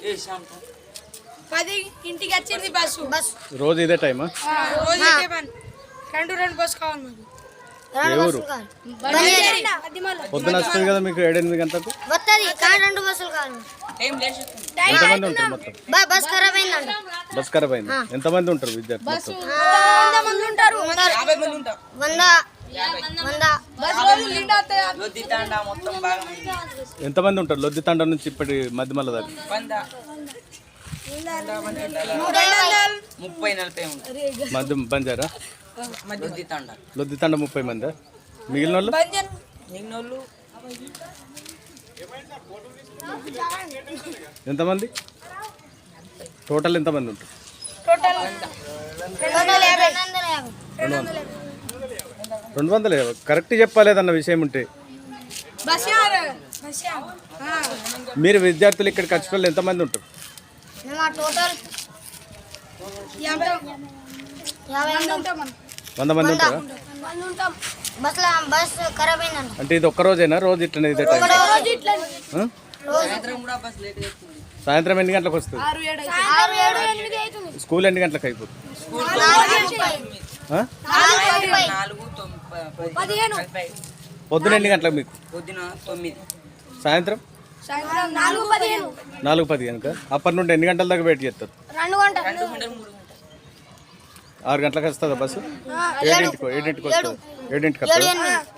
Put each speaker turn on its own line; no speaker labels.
10 ఇంటికి వచ్చింది బస్సు.
రోజు ఇదే టైమా?
రోజు ఇదే పని. రెండు బస్సు కావాలి మాకు.
ఏ ఊరు? పొద్దున వస్తుంది కదా మీకు 7-8 గంటలకు.
రెండు బస్సులు కావాలి.
ఎంతమంది ఉంటారు మొత్తం?
బస్ ఖరాబ్ అయిందండి.
బస్ ఖరాబ్ అయింది. ఎంతమంది ఉంటారు విద్యార్థులు మొత్తం?
100 మంది ఉంటారు. 100
ఎంతమంది ఉంటారు లొద్ది తండ నుంచి ఇప్పటి మధ్యమల్ల దాకా?
30-40 ఉంటారు.
మధ్య బంజారా లొద్ది తండ 30 మంది. మిగిలిన వాళ్ళు ఎంతమంది? టోటల్ ఎంతమంది ఉంటారు? 250. కరెక్ట్ చెప్పలేదన్న విషయం ఉంటే. మీరు విద్యార్థులు ఇక్కడికి వచ్చిన వాళ్ళు ఎంతమంది ఉంటారు?
టోటల్
100 మంది ఉంటారా?
బస్ ఖరాబ్ అయిందండి.
అంటే ఇది ఒక్క రోజేనా? రోజు ఇట్లనే ఇదే టైం? సాయంత్రం ఎన్ని గంటలకు వస్తుంది?
6-7-8
స్కూల్ ఎన్ని గంటలకు అయిపోతుంది?
4-15.
పొద్దున ఎన్ని గంటలకు మీకు?
పొద్దున 9.
సాయంత్రం 4-10 కనుక అప్పటి నుండి ఎన్ని గంటల దాకా వెయిట్ చేస్తారు?
2 గంటలు
2 గంటలు 3 గంటలు.
6 గంటలకు వస్తుందా బస్సు? 7ంటికి వస్తుంది. 7ంటికి వస్తుంది.